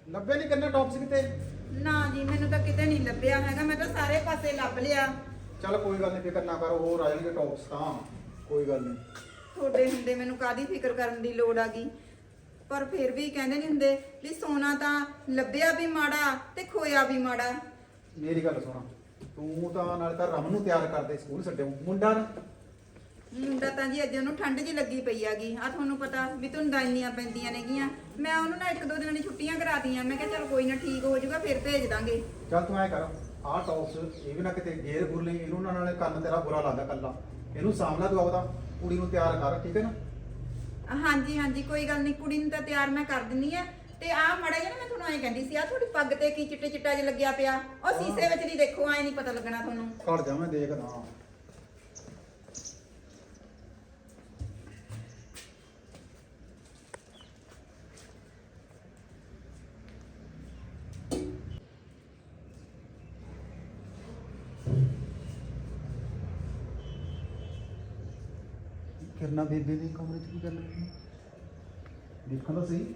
ਲੱਭੇ ਨਹੀਂ ਕਰਨਾ ਟੌਪਸ ਕਿਤੇ? ਨਾ ਜੀ ਮੈਨੂੰ ਤਾਂ ਕਿਤੇ ਨਹੀਂ ਲੱਭਿਆ ਹੈਗਾ, ਮੈਂ ਤਾਂ ਸਾਰੇ ਪਾਸੇ ਲੱਭ ਲਿਆ। ਚੱਲ ਕੋਈ ਗੱਲ ਨਹੀਂ, ਫਿਕਰ ਨਾ ਕਰੋ, ਹੋਰ ਆ ਜਾਣਗੇ ਟੌਪਸ ਤਾਂ ਕੋਈ ਗੱਲ ਨਹੀਂ। ਤੁਹਾਡੇ ਹੁੰਦੇ ਮੈਨੂੰ ਕਾਹਦੀ ਫਿਕਰ ਕਰਨ ਦੀ ਲੋੜ ਆ ਗਈ। ਪਰ ਫਿਰ ਵੀ ਕਹਿੰਦੇ ਨਹੀਂ ਹੁੰਦੇ ਵੀ ਸੋਨਾ ਤਾਂ ਲੱਭਿਆ ਵੀ ਮਾੜਾ ਤੇ ਖੋਇਆ ਵੀ ਮਾੜਾ। ਮੇਰੀ ਗੱਲ ਸੁਣ, ਤੂੰ ਤਾਂ ਨਾਲੇ ਤਾਂ ਰਮਨ ਨੂੰ ਤਿਆਰ ਕਰਦੇ ਸਕੂਲ ਛੱਡਿਓ, ਮੁੰਡਾ ਨਾ ਮੁੰਡਾ ਤਾਂ ਜੀ ਅੱਜ ਉਹਨੂੰ ਠੰਡ ਜੀ ਲੱਗੀ ਪਈ ਆਗੀ। ਆ ਤੁਹਾਨੂੰ ਪਤਾ ਵੀ ਧੁੰਦਾਂ ਇੰਨੀਆਂ ਪੈਂਦੀਆਂ ਨੇਗੀਆਂ। ਮੈਂ ਉਹਨੂੰ ਨਾ 1-2 ਦਿਨਾਂ ਦੀ ਛੁੱਟੀਆਂ ਕਰਾਤੀਆਂ। ਮੈਂ ਕਿਹਾ ਚਲ ਕੋਈ ਨਾ, ਠੀਕ ਹੋ ਜਾਊਗਾ ਫਿਰ ਭੇਜ ਦਾਂਗੇ। ਚੱਲ ਤੂੰ ਐ ਕਰ, ਆਹ ਟੌਪਸ ਇਹ ਵੀ ਨਾ ਕਿਤੇ ਗੇਰ ਗੁਰ ਲਈ, ਇਹਨੂੰ ਨਾ ਨਾਲੇ ਕੰਨ ਤੇਰਾ ਬੁਰਾ ਲੱਗਦਾ ਕੱਲਾ, ਇਹਨੂੰ ਸਾਹਮਣਾ ਤੂੰ ਆਪਦਾ ਕੁੜੀ ਨੂੰ ਤਿਆਰ ਕਰ, ਠੀਕ ਹੈ ਨਾ? ਹਾਂਜੀ ਹਾਂਜੀ ਕੋਈ ਗੱਲ ਨਹੀਂ, ਕੁੜੀ ਨੂੰ ਤਾਂ ਤਿਆਰ ਮੈਂ ਕਰ ਦਿੰਨੀ ਆ। ਤੇ ਆ ਮੜਾ ਜਿਹਾ ਨਾ ਮੈਂ ਤੁਹਾਨੂੰ ਐਂ ਕਹਿੰਦੀ ਸੀ, ਆ ਤੁਹਾਡੀ ਪੱਗ ਤੇ ਕੀ ਚਿੱਟੇ ਚਿੱਟਾ ਜਿਹਾ ਲੱਗਿਆ ਪਿਆ, ਉਹ ਸੀਸੇ ਵਿੱਚ ਦੀ ਦੇਖੋ, ਐਂ ਨਹੀਂ ਪਤਾ ਲੱਗਣਾ ਤੁਹਾਨੂੰ। ਖੜ ਜਾ ਮੈਂ ਦੇਖਦਾ। ਕਿਰਨਾ ਬੇਬੇ ਦੇ ਕਮਰੇ 'ਚ ਕੀ ਕਰ ਰਹੀ ਹੈ? ਦੇਖੋ ਤਾਂ ਸਹੀ।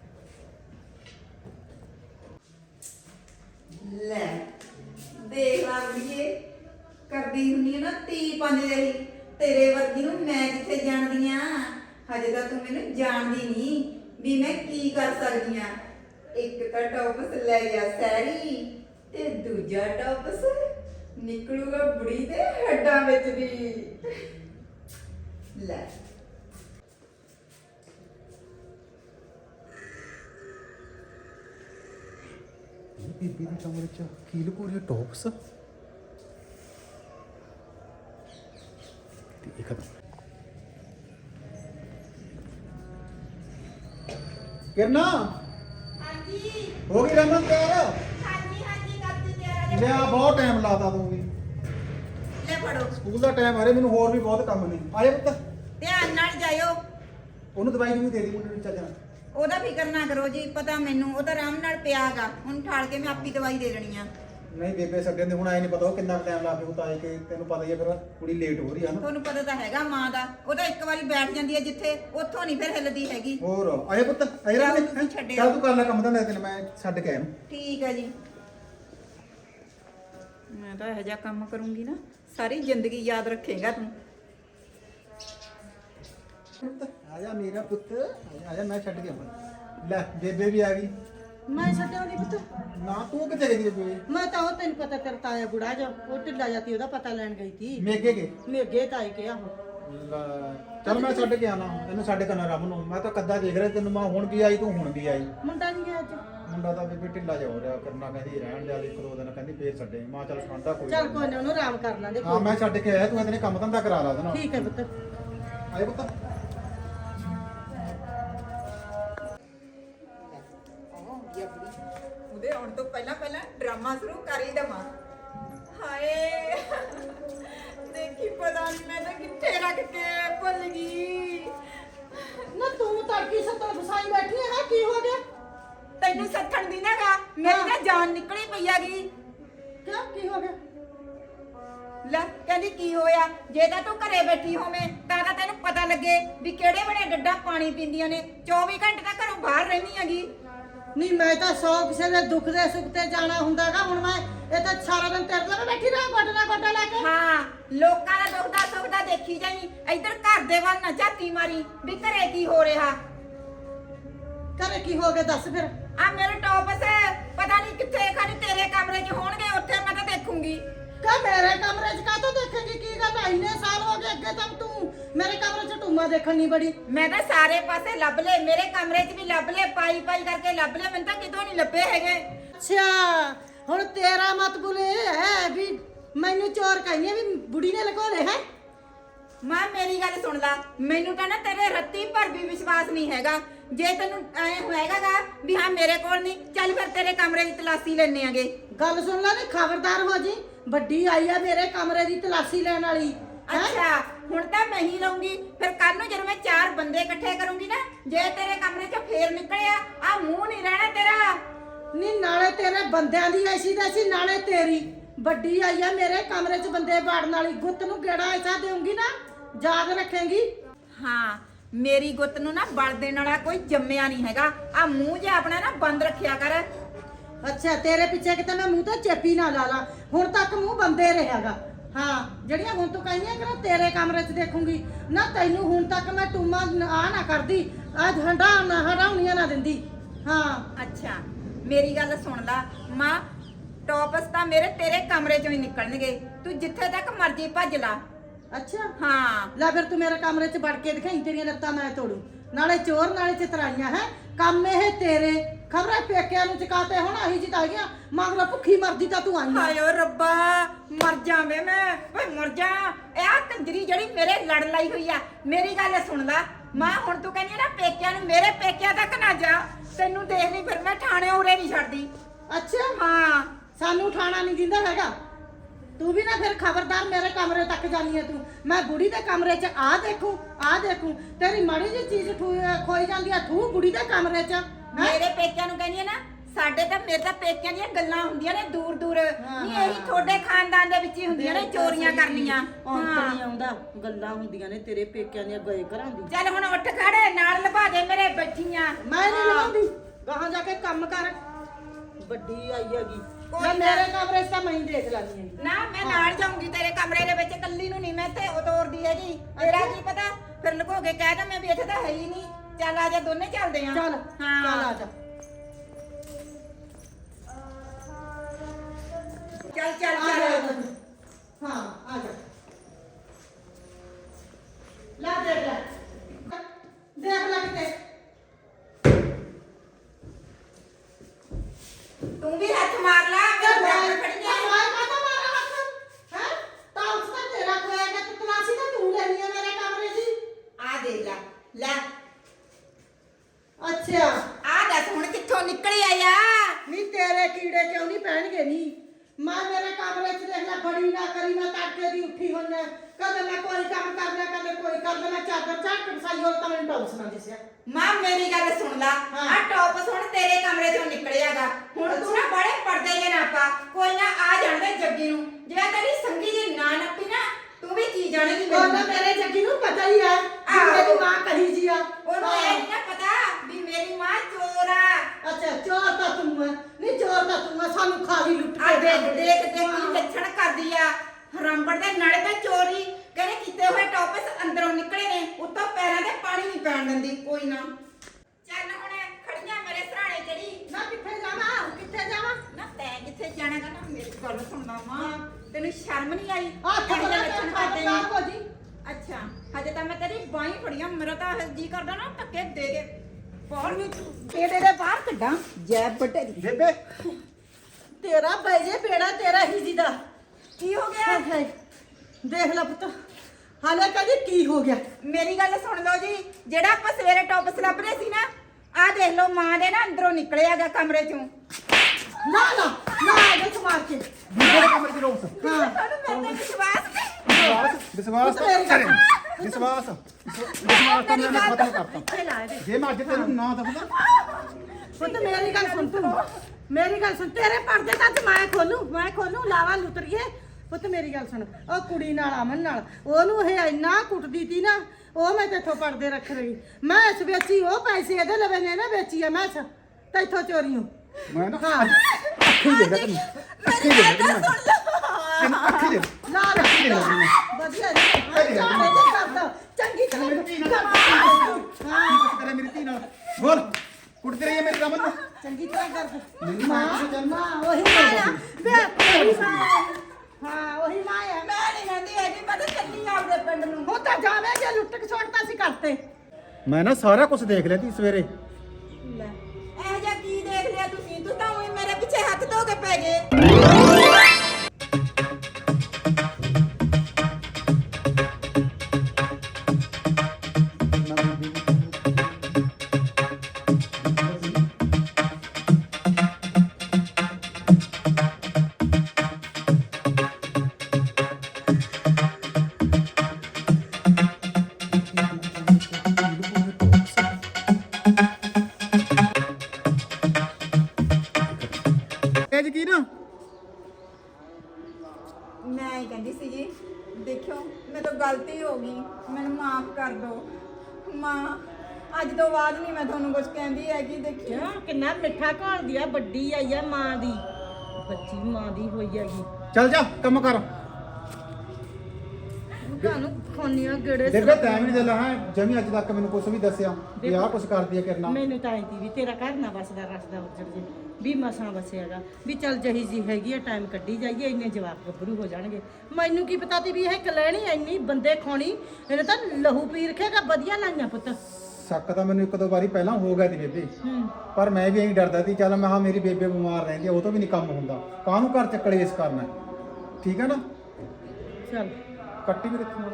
ਲੈ ਦੇਖ ਲਾ ਵੀਏ, ਕਰਦੀ ਹੁੰਨੀ ਆ ਨਾ 30-5 ਜਹੀ। ਤੇਰੇ ਵਰਗੀ ਨੂੰ ਮੈਂ ਕਿੱਥੇ ਜਾਣਦੀ ਆ? ਹਜੇ ਤਾਂ ਤੂੰ ਮੈਨੂੰ ਜਾਣਦੀ ਨਹੀਂ ਵੀ ਮੈਂ ਕੀ ਕਰ ਸਕਦੀ ਆ। ਇੱਕ ਤਾਂ ਟੌਪਸ ਲੈ ਗਿਆ ਸੈਰੀ, ਤੇ ਦੂਜਾ ਟੌਪਸ ਨਿਕਲੂਗਾ ਬੁੜੀ ਦੇ ਹੱਡਾਂ ਵਿੱਚ ਦੀ। ਲੈ ਬੀਬੀ ਦੇ ਕਮਰੇ 'ਚ ਕੀ ਲੁਕੋ ਰਹੀ ਹੈ? ਟੌਪਸ ਤੇ ਇੱਕ ਕਿਰਨਾ ਹਾਂਜੀ ਹੋ ਗਈ ਰਮਨ ਤਿਆਰ? ਹਾਂਜੀ ਹਾਂਜੀ ਕਰਦੇ ਤਿਆਰ। ਲਿਆ, ਬਹੁਤ ਟਾਈਮ ਲਾਤਾ ਤੂੰ ਵੀ। ਲੈ ਫੜੋ, ਸਕੂਲ ਦਾ ਟਾਈਮ ਆ ਰਿਹਾ, ਮੈਨੂੰ ਹੋਰ ਵੀ ਬਹੁਤ ਕੰਮ ਨੇ। ਆਏ ਪੁੱਤ, ਧਿਆਨ ਨਾਲ ਜਾਇਓ। ਉਹਨੂੰ ਦਵਾਈ ਵੀ ਦੇ ਦੀ ਮੁੰਡੇ ਨੂੰ ਚੱਜਣਾ। ਉਹਦਾ ਫਿਕਰ ਨਾ ਕਰੋ ਜੀ, ਪਤਾ ਮੈਨੂੰ, ਉਹ ਤਾਂ ਆਰਾਮ ਨਾਲ ਪਿਆਗਾ। ਹੁਣ ਠਾਲ ਕੇ ਮੈਂ ਆਪੀ ਦਵਾਈ ਦੇ ਦੇਣੀ ਆ। ਨਹੀਂ ਬੇਬੇ ਛੱਡਣ ਦੇ, ਹੁਣ ਆਏ ਨਹੀਂ ਪਤਾ ਉਹ ਕਿੰਨਾ ਟਾਈਮ ਲਾ ਕੇ ਉਤਾਏ ਕਿ ਤੈਨੂੰ ਪਤਾ ਹੀ ਹੈ, ਫਿਰ ਕੁੜੀ ਲੇਟ ਹੋ ਰਹੀ ਹੈ ਨਾ। ਤੁਹਾਨੂੰ ਪਤਾ ਤਾਂ ਹੈਗਾ ਮਾਂ ਦਾ, ਉਹ ਤਾਂ ਇੱਕ ਵਾਰੀ ਬੈਠ ਜਾਂਦੀ ਹੈ ਜਿੱਥੇ, ਉੱਥੋਂ ਨਹੀਂ ਫਿਰ ਹਿੱਲਦੀ ਹੈਗੀ। ਹੋਰ ਆਏ ਪੁੱਤ, ਆਏ ਰਹਿ ਚੱਲ ਛੱਡਿਓ। ਚੱਲ ਤੂੰ ਕਰ ਲੈ ਕੰਮ ਤਾਂ, ਤੈਨੂੰ ਮੈਂ ਛੱਡ ਕੇ ਆਇਆ ਨੂੰ। ਠੀਕ ਹੈ ਜੀ। ਮੈਂ ਤਾਂ ਇਹੋ ਜਿਹਾ ਕੰਮ ਕਰੂੰਗੀ ਨਾ, ਸਾਰੀ ਜ਼ਿੰਦਗੀ ਯਾਦ ਰੱਖੇਗਾ ਤੂੰ। ਆ ਜਾ ਮੇਰਾ ਪੁੱਤ, ਆ ਜਾ, ਮੈਂ ਛੱਡ ਕੇ ਆਵਾਂ। ਲੈ ਬੇਬੇ ਵੀ ਆ ਗਈ। ਮੈਂ ਛੱਡਿਆ ਨਹੀਂ ਪੁੱਤ। ਨਾ ਤੂੰ ਕਿੱਥੇ ਗਈ ਬੇਬੇ? ਮੈਂ ਤਾਂ ਉਹ ਤੈਨੂੰ ਪਤਾ ਤੇਰਾ ਤਾਇਆ ਬੁੜਾ ਜਾ, ਉਹ ਢਿੱਲਾ ਜਾਤੀ, ਉਹਦਾ ਪਤਾ ਲੈਣ ਗਈ ਸੀ। ਮੇਗੇ ਕੇ ਮੇਗੇ ਤਾਈ ਕਿਹਾ ਉਹ। ਚੱਲ ਮੈਂ ਛੱਡ ਕੇ ਆਣਾ, ਇਹਨੂੰ ਛੱਡ ਕੇ ਨਾ ਰਮ ਨੂੰ। ਮੈਂ ਤਾਂ ਕੱਦਾ ਦੇਖ ਰਿਹਾ ਤੈਨੂੰ, ਮੈਂ ਹੁਣ ਵੀ ਆਈ ਤੂੰ ਹੁਣ ਵੀ ਆਈ। ਮੁੰਡਾ ਨਹੀਂ ਗਿਆ ਅੱਜ? ਮੁੰਡਾ ਤਾਂ ਬੇਬੇ ਢਿੱਲਾ ਜਾ ਹੋ ਰਿਹਾ, ਕਰਨਾ ਕਹਿੰਦੀ ਰਹਿਣ ਦੇ 1-2 ਦਿਨ, ਕਹਿੰਦੀ ਫੇਰ ਛੱਡੇ। ਮੈਂ ਚੱਲ ਠੰਡਾ ਕੋਈ ਚੱਲ ਕੋਈ ਨਾ, ਉਹਨੂੰ ਆਰਾਮ ਕਰ ਲਾਂਦੇ। ਹਾਂ ਮੈਂ ਛੱਡ ਕੇ ਆਇਆ, ਤੂੰ ਇਹਨੇ ਕੰਮ ਧੰਦਾ ਕਰਾ ਲਾ ਉਹਦੇ ਨਾਲ। ਠੀਕ ਹੈ ਪੁੱਤ। ਆਏ ਪੁੱਤ। ਉਹਦੇ ਆਉਣ ਤੋਂ ਪਹਿਲਾਂ ਪਹਿਲਾਂ ਡਰਾਮਾ ਸ਼ੁਰੂ ਕਰ ਹੀ ਦਵਾਂ। ਹਾਏ ਦੇਖੀ, ਪਤਾ ਨਹੀਂ ਮੈਂ ਤਾਂ ਕਿੱਥੇ ਰੱਖ ਕੇ ਭੁੱਲ ਗਈ। ਨਾ ਤੂੰ ਤੜਕੀ ਸੱਤਰ ਫਸਾਈ ਬੈਠੀ ਹੈ, ਕੀ ਹੋ ਗਿਆ? ਤੈਨੂੰ ਸੱਥਣ ਦੀ ਨਾਗਾ, ਮੇਰੀ ਤਾਂ ਜਾਨ ਨਿਕਲੀ ਪਈ ਆਗੀ। ਕਿਉਂ, ਕੀ ਹੋ ਗਿਆ? ਲੈ ਕਹਿੰਦੀ ਕੀ ਹੋਇਆ? ਜੇ ਤਾਂ ਤੂੰ ਘਰੇ ਬੈਠੀ ਹੋਵੇਂ ਤਾਂ ਤੈਨੂੰ ਪਤਾ ਲੱਗੇ ਵੀ ਕਿਹੜੇ ਬੜੇ ਡੱਡਾ ਪਾਣੀ ਪੀਂਦੀਆਂ ਨੇ। 24 ਘੰਟੇ ਤਾਂ ਘਰੋਂ ਬਾਹਰ ਰਹਿੰਦੀ ਹੈਗੀ। ਨਹੀਂ ਮੈਂ ਤਾਂ 100 ਕਿਸੇ ਦੇ ਦੁੱਖ ਦੇ ਸੁੱਖ ਤੇ ਜਾਣਾ ਹੁੰਦਾਗਾ। ਹੁਣ ਮੈਂ ਇਹ ਤਾਂ ਸਾਰਾ ਦਿਨ ਤੇਰੇ ਨਾਲ ਬੈਠੀ ਰਹਾਂ, ਗੋਡਾ ਗੋਡਾ ਲੈ ਕੇ। ਹਾਂ, ਲੋਕਾਂ ਦਾ ਦੁੱਖ ਦਾ ਸੁੱਖ ਦਾ ਦੇਖੀ ਜਾਈ, ਇੱਧਰ ਘਰ ਦੇ ਵੱਲ ਨਾ ਝਾਤੀ ਮਾਰੀ ਵੀ ਘਰੇ ਕੀ ਹੋ ਰਿਹਾ। ਘਰੇ ਕੀ ਹੋ ਗਿਆ ਦੱਸ ਫਿਰ? ਆ ਮੇਰੇ ਟੌਪਸ ਪਤਾ ਨਹੀਂ ਕਿੱਥੇ, ਖਾਲੀ ਤੇਰੇ ਕਮਰੇ 'ਚ ਹੋਣਗੇ, ਉੱਥੇ ਮੈਂ ਤਾਂ ਦੇਖੂੰਗੀ। ਕਾ ਮੇਰੇ ਕਮਰੇ 'ਚ ਕਾਹਤੋਂ ਦੇਖੇਂਗੀ? ਕੀ ਗੱਲ ਆ, ਇੰਨੇ ਸਾਲ ਹੋ ਗਏ, ਅੱਗੇ ਤੱਕ ਤੂੰ ਮੇਰੇ ਕਮਰੇ 'ਚ ਟੂਮਾ ਦੇਖਣ ਨਹੀਂ ਬੜੀ। ਮੈਂ ਤਾਂ ਸਾਰੇ ਪਾਸੇ ਲੱਭ ਲਏ, ਮੇਰੇ ਕਮਰੇ 'ਚ ਵੀ ਲੱਭ ਲਏ, ਪਾਈ ਪਾਈ ਕਰਕੇ ਲੱਭ ਲਏ, ਮੈਨੂੰ ਤਾਂ ਕਿਤੋਂ ਨਹੀਂ ਲੱਭੇ ਹੈਗੇ। ਅੱਛਾ, ਹੁਣ ਤੇਰਾ ਮਤਲਬ ਇਹ ਹੈ ਵੀ ਮੈਨੂੰ ਚੋਰ ਕਹਿੰਦੀ ਆ ਵੀ ਬੁੜੀ ਨੇ ਲਗਾਉਣੇ ਹੈ? ਮਾਂ ਮੇਰੀ ਗੱਲ ਸੁਣ ਲੈ, ਮੈਨੂੰ ਤਾਂ ਨਾ ਤੇਰੇ ਰੱਤੀ ਭਰ ਵੀ ਵਿਸ਼ਵਾਸ ਨਹੀਂ ਹੈਗਾ। ਜੇ ਤੈਨੂੰ ਐ ਹੋਏਗਾਗਾ ਵੀ ਹਾਂ ਮੇਰੇ ਕੋਲ ਨਹੀਂ, ਚੱਲ ਫਿਰ ਤੇਰੇ ਕਮਰੇ ਦੀ ਤਲਾਸ਼ੀ ਲੈਣੇ ਆਗੇ। ਗੱਲ ਸੁਣ ਲੈ, ਨੀ ਖਬਰਦਾਰ ਹੋ ਜੀ, ਵੱਡੀ ਆਈ ਆ ਮੇਰੇ ਕਮਰੇ ਦੀ ਤਲਾਸ਼ੀ ਲੈਣ ਵਾਲੀ। ਅੱਛਾ, ਹੁਣ ਤਾਂ ਮੈਂ ਹੀ ਲਊਂਗੀ। ਫਿਰ ਕੱਲ ਨੂੰ ਜਦੋਂ ਮੈਂ 4 ਬੰਦੇ ਇਕੱਠੇ ਕਰੂੰਗੀ ਨਾ, ਜੇ ਤੇਰੇ ਕਮਰੇ 'ਚ ਫੇਰ ਨਿਕਲਿਆ, ਆ ਮੂੰਹ ਨਹੀਂ ਰਹਿਣਾ ਤੇਰਾ। ਨੀ ਨਾਲੇ ਤੇਰੇ ਬੰਦਿਆਂ ਦੀ ਐਸੀ ਦੈਸੀ, ਨਾਲੇ ਤੇਰੀ। ਵੱਡੀ ਆਈ ਆ ਮੇਰੇ ਕਮਰੇ 'ਚ ਬੰਦੇ ਬਾੜਨ ਵਾਲੀ, ਗੁੱਤ ਨੂੰ ਗੇੜਾ ਐਸਾ ਦੇਉਂਗੀ ਨਾ, ਯਾਦ ਰੱਖੇਂਗੀ। ਹਾਂ, ਮੇਰੀ ਗੁੱਤ ਨੂੰ ਨਾ ਬਲ ਦੇਣ ਵਾਲਾ ਕੋਈ ਜੰਮਿਆ ਨਹੀਂ ਹੈਗਾ। ਆ ਮੂੰਹ ਜਿਹਾ ਆਪਣਾ ਨਾ ਬੰਦ ਰੱਖਿਆ ਕਰ। ਅੱਛਾ ਤੇਰੇ ਪਿੱਛੇ ਕਿਤੇ ਮੈਂ ਮੂੰਹ ਤੇ ਚੇਪੀ ਨਾ ਲਾ ਲਾ, ਹੁਣ ਤੱਕ ਮੂੰਹ ਬੰਦੇ ਰਹੇਗਾ। ਹਾਂ ਜਿਹੜੀਆਂ ਹੁਣ ਤੂੰ ਕਹਿੰਦੀਆਂ ਕਿ ਨਾ ਤੇਰੇ ਕਮਰੇ 'ਚ ਦੇਖੂੰਗੀ ਨਾ, ਤੈਨੂੰ ਹੁਣ ਤੱਕ ਮੈਂ ਟੂਮਾ ਆ ਨਾ ਕਰਦੀ, ਆ ਹਟਾਉਣੀਆਂ ਨਾ ਦਿੰਦੀ। ਹਾਂ ਅੱਛਾ ਮੇਰੀ ਗੱਲ ਸੁਣ ਲਾ ਮਾਂ, ਟੌਪਸ ਤਾਂ ਮੇਰੇ ਤੇਰੇ ਕਮਰੇ 'ਚੋਂ ਹੀ ਨਿਕਲਣਗੇ। ਤੂੰ ਜਿੱਥੇ ਤੱਕ ਮਰਜ਼ੀ ਭੱਜ ਲਾ। ਅੱਛਾ ਹਾਂ ਲੈ ਫਿਰ ਤੂੰ ਮੇਰੇ ਕਮਰੇ 'ਚ ਵੜ ਕੇ ਦਿਖਾਈ, ਤੇਰੀਆਂ ਲੱਤਾਂ ਮੈਂ ਤੋੜੂ, ਨਾਲੇ ਚੋਰ ਨਾਲੇ ਚਤਰਾਈਆਂ ਹੈ ਕੰਮ ਇਹ ਤੇਰੇ। ਖਬਰਾਂ ਪੇਕਿਆਂ ਨੂੰ ਚਕਾਤੇ ਹੁਣ ਆਹੀ ਜਿਤਾਈਆਂ, ਮਗਰੋਂ ਭੁੱਖੀ ਮਰਦੀ ਤਾਂ ਤੂੰ ਆਈ ਆਂ। ਹਾਏ ਓ ਰੱਬਾ ਮਰ ਜਾਵੇਂ ਮੈਂ, ਓਏ ਮਰ ਜਾ। ਇਹ ਆ ਕੰਜਰੀ ਜਿਹੜੀ ਮੇਰੇ ਲੜ ਲਾਈ ਹੋਈ ਆ। ਮੇਰੀ ਗੱਲ ਸੁਣ ਲੈ ਮਾਂ, ਹੁਣ ਤੂੰ ਕਹਿੰਦੀ ਆ ਨਾ ਪੇਕਿਆਂ ਨੂੰ, ਮੇਰੇ ਪੇਕਿਆਂ ਤੱਕ ਨਾ ਜਾ। ਤੈਨੂੰ ਦੇਖ ਲਈ ਫਿਰ ਮੈਂ ਥਾਣੇ ਉਰੇ ਨਹੀਂ ਛੱਡਦੀ। ਅੱਛਾ ਹਾਂ ਸਾਨੂੰ ਉਠਾਣਾ ਨਹੀਂ ਦਿੰਦਾ ਹੈਗਾ। ਤੂੰ ਵੀ ਨਾ ਫਿਰ ਖਬਰਦਾਰ ਮੇਰੇ ਕਮਰੇ ਤੱਕ ਜਾਨੀ ਹੈ ਤੂੰ। ਮੈਂ ਬੁੜੀ ਦੇ ਕਮਰੇ 'ਚ ਆ ਦੇਖੂੰ ਤੇਰੀ ਮਾੜੀ ਜਿਹੀ ਚੀਜ਼ ਖੋਈ ਜਾਂਦੀ ਆ ਥੂ ਬੁੜੀ ਦੇ ਕਮਰੇ 'ਚ। ਹੈਂ? ਮੇਰੇ ਪੇਕਿਆਂ ਨੂੰ ਕਹਿੰਦੀ ਆ ਨਾ, ਸਾਡੇ ਤਾਂ ਮੇਰੇ ਤਾਂ ਪੇਕਿਆਂ ਦੀਆਂ ਗੱਲਾਂ ਹੁੰਦੀਆਂ ਨੇ ਦੂਰ ਦੂਰ, ਨਹੀਂ ਇਹੀ ਤੁਹਾਡੇ ਖਾਨਦਾਨ ਦੇ ਵਿੱਚ ਹੀ ਹੁੰਦੀਆਂ ਨੇ ਚੋਰੀਆਂ ਕਰਨੀਆਂ। ਨਹੀਂ ਆਉਂਦਾ, ਗੱਲਾਂ ਹੁੰਦੀਆਂ ਨੇ ਤੇਰੇ ਪੇਕਿਆਂ ਦੀਆਂ ਗਏ ਘਰਾਂ ਦੀ। ਚੱਲ ਹੁਣ ਉੱਠ ਖੜੇ, ਨਾਲ ਲਵਾ ਦੇ ਮੇਰੇ ਬੈਠੀਆਂ। ਮੈਂ ਨਹੀਂ ਲਵਾਉਂਦੀ, ਗਾਹਾਂ ਜਾ ਕੇ ਕੰਮ ਕਰ। ਵੱਡੀ ਆਈ ਹੈਗੀ, ਕੋਈ ਮੈਂ ਨਾ। ਮੇਰੇ ਕਮਰੇ 'ਚ ਤਾਂ ਮੈਂ ਹੀ ਦੇਖ ਲੈਣੀ ਹੈਗੀ। ਨਾ ਮੈਂ ਨਾਲ ਜਾਊਂਗੀ ਤੇਰੇ ਕਮਰੇ ਦੇ ਵਿੱਚ, ਕੱਲੀ ਨੂੰ ਨਹੀਂ ਮੈਂ ਤੇ ਉਤੋਰਦੀ ਹੈਗੀ। ਤੇਰਾ ਕੀ ਪਤਾ ਫਿਰ ਲੁਕੋ ਕੇ ਕਹਿ ਦਾਂ ਮੈਂ ਵੀ ਇੱਥੇ ਤਾਂ ਹੈ ਹੀ ਨਹੀਂ। ਚੱਲ ਆ ਜਾ ਦੋਨੇ ਚੱਲਦੇ ਆਂ। ਚੱਲ ਚੱਲ ਆ ਜਾ। ਚੱਲ ਚੱਲ ਆ ਚੱਲ। ਜਾ ਹਾਂ ਆ ਜਾ। ਲਾ ਦੇਖ ਲੈ ਕਿਤੇ। ਤੂੰ ਵੀ ਹੱਥ ਮਾਰ ਲਾ, ਮੈਂ ਬਰਾਬਰ ਖੜੀ ਆਂ। ਮੈਂ ਕਾਹਦਾ ਮਾਰਾ ਹੱਥ ਹੈ? ਤਾਂ ਉਸ ਦਾ ਤੇਰਾ ਕੋਇਆ ਕਿ ਤੂੰ ਤਲਾਸ਼ੀ ਤਾਂ ਤੂੰ ਲੈਣੀ ਹੈ ਮੇਰੇ ਕਮਰੇ ਦੀ। ਆ ਦੇਖ ਲੈ ਲੈ, ਅੱਛਾ ਆ ਦੱਸ ਹੁਣ ਕਿੱਥੋਂ ਨਿਕਲੀ ਆਇਆ? ਨਹੀਂ ਤੇਰੇ ਕੀੜੇ ਕਿਉਂ ਨਹੀਂ ਪੈਣਗੇ ਨਹੀਂ। ਮੈਂ ਮੇਰੇ ਕਮਰੇ 'ਚ ਦੇਖ ਲੈ, ਬੜੀ ਨਾ ਕਰੀ, ਮੈਂ ਤੜਕੇ ਦੀ ਉੱਠੀ ਹੁੰਨੇ, ਕਦੇ ਮੈਂ ਕੋਈ ਕੰਮ ਕਰ ਲਿਆ ਕਦੇ ਕੋਈ ਕਰ ਲਿਆ, ਮੈਂ ਚਾਦਰ ਝਾਟ ਕਸਾਈ ਹੋਰ ਤਾਂ ਮੈਨੂੰ ਟੌਪਸ ਨਾ ਦਿਸਿਆ। ਮਾਂ ਮੇਰੀ ਗੱਲ ਸੁਣ ਲਾ, ਹਾਂ। ਆ ਟੌਪਸ ਹੁਣ ਤੇਰੇ ਕਮਰੇ ਚੋਂ ਨਿਕਲਿਆਗਾ। ਹੁਣ ਤੂੰ ਨਾ ਬੜੇ ਪਰਦੇ ਜੇ ਨਾ ਪਾ, ਕੋਈ ਨਾ ਆ ਜਾਣਦੇ ਜੱਗੀ ਨੂੰ। ਜੇ ਤੇਰੀ ਸੰਗੀ ਜੀ ਨਾ ਨੱਪੀ ਨਾ, ਤੂੰ ਵੀ ਕੀ ਜਾਣੇਗੀ ਉਹ ਤਾਂ ਮੇਰੇ ਜੱਗੀ ਨੂੰ ਪਤਾ ਹੀ ਹੈ ਕਿ ਮੇਰੀ ਮਾਂ ਕਹੀ ਜੀ ਆ। ਉਹਨੂੰ ਇਹ ਨਹੀਂ ਨਾ ਪਤਾ ਵੀ ਮੇਰੀ ਮਾਂ ਚੋਰ ਆ। ਅੱਛਾ ਚੋਰ ਤਾਂ ਤੂੰ ਹੈ, ਨਹੀਂ ਚੋਰ ਤਾਂ ਤੂੰ ਹੈ, ਸਾਨੂੰ ਖਾਲੀ ਲੁੱਟ ਆ ਦੇਖ ਦੇਖ ਕੀ ਲੱਛਣ ਕਰਦੀ ਆ ਹਰਾਮਬੜ ਦੇ। ਨਾਲੇ ਤਾਂ ਚੋਰੀ ਕਹਿੰਦੇ ਕੀਤੇ ਹੋਏ ਟੌਪਸ ਅੰਦਰੋਂ ਨਿਕਲੇ ਨੇ, ਉੱਤੋਂ ਪੈਰਾਂ ਤੇ ਪਾਣੀ ਨਹੀਂ ਪੈਣ ਦਿੰਦੀ। ਕੋਈ ਨਾ ਚੱਲ ਹੁਣ ਖੜੀਆਂ ਮੇਰੇ ਸਰਾਣੇ ਚੜੀ। ਨਾ ਕਿੱਥੇ ਜਾਵਾਂ ਨਾ ਤੈਂ ਕਿੱਥੇ ਜਾਣਾਗਾ? ਨਾ ਮੇਰੀ ਗੱਲ ਸੁਣਦਾ ਮਾਂ, ਤੈਨੂੰ ਸ਼ਰਮ ਨਹੀਂ ਆਈ? ਹੱਥ ਇਹੋ ਜਿਹੇ ਬਣਾ ਲੱਛਣ ਕੇ ਕਰਦੇ ਖਬਰਦਾਰ ਨੇ। ਹੋ ਜੀ। ਅੱਛਾ ਹਜੇ ਤਾਂ ਮੈਂ ਤੇਰੀ ਬਾਂਹ ਹੀ ਫੜੀਆਂ, ਮੇਰਾ ਤਾਂ ਜੀ ਕਰਦਾ ਨਾ ਧੱਕੇ ਦੇ ਕੇ ਬਾਹਰ ਵੀ ਪੇੜੇ ਦੇ ਬਾਹਰ ਕੱਢਾਂ। ਜੈ ਬੱਟੇ ਦੀ ਬੇਬੇ ਤੇਰਾ ਬੈਜੇ ਬੇੜਾ ਤੇਰਾ ਹੀ ਜੀ ਦਾ। ਕੀ ਹੋ ਗਿਆ? ਹਾਏ ਹਾਏ ਦੇਖ ਲੈ ਪੁੱਤ, ਹਾਲੇ ਕਹਿੰਦੀ ਕੀ ਹੋ ਗਿਆ। ਮੇਰੀ ਗੱਲ ਸੁਣ ਲਓ ਜੀ, ਜਿਹੜਾ ਆਪਾਂ ਸਵੇਰੇ ਟੌਪਸ ਲੱਭ ਰਹੇ ਸੀ ਨਾ, ਆਹ ਦੇਖ ਲਓ ਮਾਂ ਦੇ ਨਾ ਅੰਦਰੋਂ ਨਿਕਲਿਆਗਾ ਕਮਰੇ ਚੋਂ। ਨਾ ਇਹਦੇ ਮਾਰ ਕੇ। ਮੇਰੇ ਕਮਰੇ 'ਚ ਰੋਕ ਹਾਂ ਤੁਹਾਨੂੰ ਮੇਰੇ ਤੇ ਵਿਸ਼ਵਾਸ ਨਹੀਂ। ਵਿਸ਼ਵਾਸ ਤਾਂ ਕਰੇ ਵਿਸ਼ਵਾਸ ਤਾਂ ਮੈਂ ਖਤਮ ਕਰਤਾ। ਇੱਥੇ ਲਾ ਇਹਦੇ। ਜੇ ਮੈਂ ਅੱਜ ਤੈਨੂੰ ਨਾ ਦਫਦਾ ਪੁੱਤ ਮੇਰੀ ਗੱਲ ਸੁਣ ਤੂੰ, ਮੇਰੀ ਗੱਲ ਸੁਣ, ਤੇਰੇ ਪਰਦੇ ਤਾਂ ਅੱਜ ਮੈਂ ਖੋਲੂ ਲਾਵਾ ਲੁੱਤਰੀਏ। ਪੁੱਤ ਮੇਰੀ ਗੱਲ ਸੁਣ, ਉਹ ਕੁੜੀ ਨਾਲ ਅਮਨ ਨਾਲ ਉਹਨੂੰ ਇਹ ਇੰਨਾ ਕੁੱਟਦੀ ਤੀ ਨਾ, ਉਹ ਮੈਂ ਤੇਥੋਂ ਪਰਦੇ ਰੱਖ ਰਹੀ। ਮੈਂ ਇਸ ਵੇਚੀ, ਉਹ ਪੈਸੇ ਇਹਦੇ ਲਵੇ ਨੇ ਨਾ ਵੇਚੀ ਆ ਮੈਂ ਤੇਥੋਂ ਚੋਰੀਓ। ਮੈਂ ਨਾ ਹਾਂ ਅੱਖੀ ਦੇ ਦੇ ਤੈਨੂੰ, ਅੱਖੀ ਦੇ ਦੇ ਤੈਨੂੰ ਤੈਨੂੰ ਅੱਖੀ ਦੇ ਨਾ ਵਧੀਆ ਕਰਦਾ ਚੰਗੀ ਤਰ੍ਹਾਂ ਮੇਰੀ ਧੀ ਨਾਲ ਹਾਂ ਕੀ ਕਰੇ ਮੇਰੀ ਧੀ ਨਾਲ ਬੋਲ ਕੁੱਟਦੇ ਰਹੀ ਹੈ ਮੇਰੀ ਰਮਨ ਨੂੰ। ਚੰਗੀ ਤਰ੍ਹਾਂ ਕਰ। ਮੇਰੀ ਮਾਂ ਕਿਸੇ ਚੱਲ ਮਾਂ ਉਹੀ ਮਾਂ ਉਹੀ ਮਾਂ ਹਾਂ ਉਹੀ ਮਾਂ ਹੈ। ਮੈਂ ਨਹੀਂ ਕਹਿੰਦੀ ਹੈਗੀ, ਮੈਂ ਤਾਂ ਚੱਲੀ ਆਪਦੇ ਪਿੰਡ ਨੂੰ। ਹੁਣ ਤਾਂ ਜਾਵੇਂ ਜੇ ਲੁੱਟ ਖਸੋਟਤਾ ਸੀ ਕਰਤੇ। ਮੈਂ ਨਾ ਸਾਰਾ ਕੁਝ ਦੇਖ ਲਿਆ ਤੀ ਸਵੇਰੇ। ਲੈ ਇਹ ਜਿਹਾ ਕੀ ਦੇਖ ਲਿਆ ਤੁਸੀਂ? ਤੂੰ ਤਾਂ ਉਹੀ ਮੇਰੇ ਪਿੱਛੇ ਹੱਥ ਧੋ ਕੇ ਪੈ ਗਏ। ਇਹ ਕੀ ਨਾ ਮੈਂ ਹੀ ਕਹਿੰਦੀ ਸੀ ਜੀ, ਦੇਖਿਓ ਮੇਰੇ ਤੋਂ ਗਲਤੀ ਹੋ ਗਈ, ਮੈਨੂੰ ਮਾਫ ਕਰ ਦਿਓ। ਮਾਂ ਅੱਜ ਤੋਂ ਬਾਅਦ ਨਹੀਂ ਮੈਂ ਤੁਹਾਨੂੰ ਕੁਝ ਕਹਿੰਦੀ ਹੈਗੀ ਦੇਖਿਓ ਕਿਉਂ ਕਿੰਨਾ ਮਿੱਠਾ ਘੋਲਦੀ ਆ, ਵੱਡੀ ਆਈ ਆ ਮਾਂ ਦੀ, ਬੱਚੀ ਮਾਂ ਦੀ ਹੋਈ ਹੈਗੀ। ਚੱਲ ਜਾ ਕੰਮ ਕਰ। ਤੁਹਾਨੂੰ ਖੋਨੀਆਂ ਗੇੜੇ ਬੇਬੇ ਟਾਈਮ ਨਹੀਂ ਦੇ ਲਾ ਹੈ ਜਮੀ ਅੱਜ ਤੱਕ ਮੈਨੂੰ ਕੁਝ ਵੀ ਦੱਸਿਆ ਵੀ ਆਹ ਕੁਝ ਕਰਦੀ ਹੈ ਕਰਨਾ। ਮੈਨੂੰ ਤਾਂ ਆਈ ਵੀ ਤੇਰਾ ਘਰ ਨਾ ਵਸਦਾ ਰਸਦਾ ਉੱਜੜ ਜੇ, ਵੀ ਮਸਾਂ ਵਸਿਆਗਾ, ਵੀ ਚੱਲ ਜਹੀ ਜੀ ਹੈਗੀ ਆ ਟਾਈਮ ਕੱਢੀ ਜਾਈਏ, ਇੰਨੇ ਜਵਾਕ ਗੱਭਰੂ ਹੋ ਜਾਣਗੇ। ਮੈਨੂੰ ਕੀ ਪਤਾ ਤੀ ਵੀ ਇਹ ਕਲੈਣੀ ਇੰਨੀ ਬੰਦੇ ਖੋਣੀ, ਇਹਨੇ ਤਾਂ ਲਹੂ ਪੀ ਰੱਖਿਆਗਾ। ਵਧੀਆ ਲਾਈਆਂ ਪੁੱਤ। ਸ਼ੱਕ ਤਾਂ ਮੈਨੂੰ ਇੱਕ ਦੋ ਵਾਰੀ ਪਹਿਲਾਂ ਹੋ ਗਿਆ ਸੀ ਬੇਬੇ, ਹੂੰ ਪਰ ਮੈਂ ਵੀ ਐਂ ਡਰਦਾ ਸੀ ਚੱਲ ਮੈਂ ਹਾਂ ਮੇਰੀ ਬੇਬੇ ਬਿਮਾਰ ਰਹਿੰਦੀ ਆ, ਉਹ ਤੋਂ ਵੀ ਨਹੀਂ ਕੰਮ ਹੁੰਦਾ, ਕਾਹਨੂੰ ਘਰ ਚ ਕਲੇਸ਼ ਕਰਨਾ। ਠੀਕ ਹੈ ਨਾ, ਚੱਲ ਕੱਟੀ ਵੀ ਰੱਖਣਾ।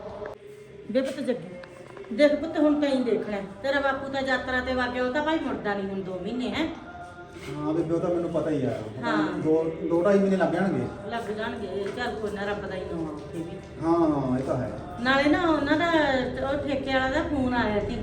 ਵੇ ਪੁੱਤ ਜੱਗੀ ਦੇਖ ਪੁੱਤ, ਹੁਣ ਤਾਂ ਹੀ ਦੇਖਣਾ ਹੈ। ਤੇਰਾ ਬਾਪੂ ਤਾਂ ਯਾਤਰਾ ਤੇ ਵਾਗਿਆ, ਉਹ ਤਾਂ ਭਾਈ ਮੁੜਦਾ ਨਹੀਂ ਹੁਣ 2 ਮਹੀਨੇ ਹੈ। ਹਾਂ ਬੇਬੇ ਉਹ ਤਾਂ ਮੈਨੂੰ ਪਤਾ ਹੀ ਆ। ਹਾਂ। 2-2.5 ਮਹੀਨੇ ਲੱਗ ਜਾਣਗੇ। ਲੱਗ ਜਾਣਗੇ, ਚੱਲ ਕੋਈ ਨਾ, ਰੱਬ ਦਾ ਹੀ ਨਾਮ ਉੱਥੇ ਵੀ। ਹਾਂ ਇਹ ਤਾਂ ਹੈ। ਨਾਲੇ ਨਾ ਉਹਨਾਂ ਦਾ ਉਹ ਠੇਕੇ ਵਾਲਾ ਦਾ ਫੋਨ ਆਇਆ ਸੀ।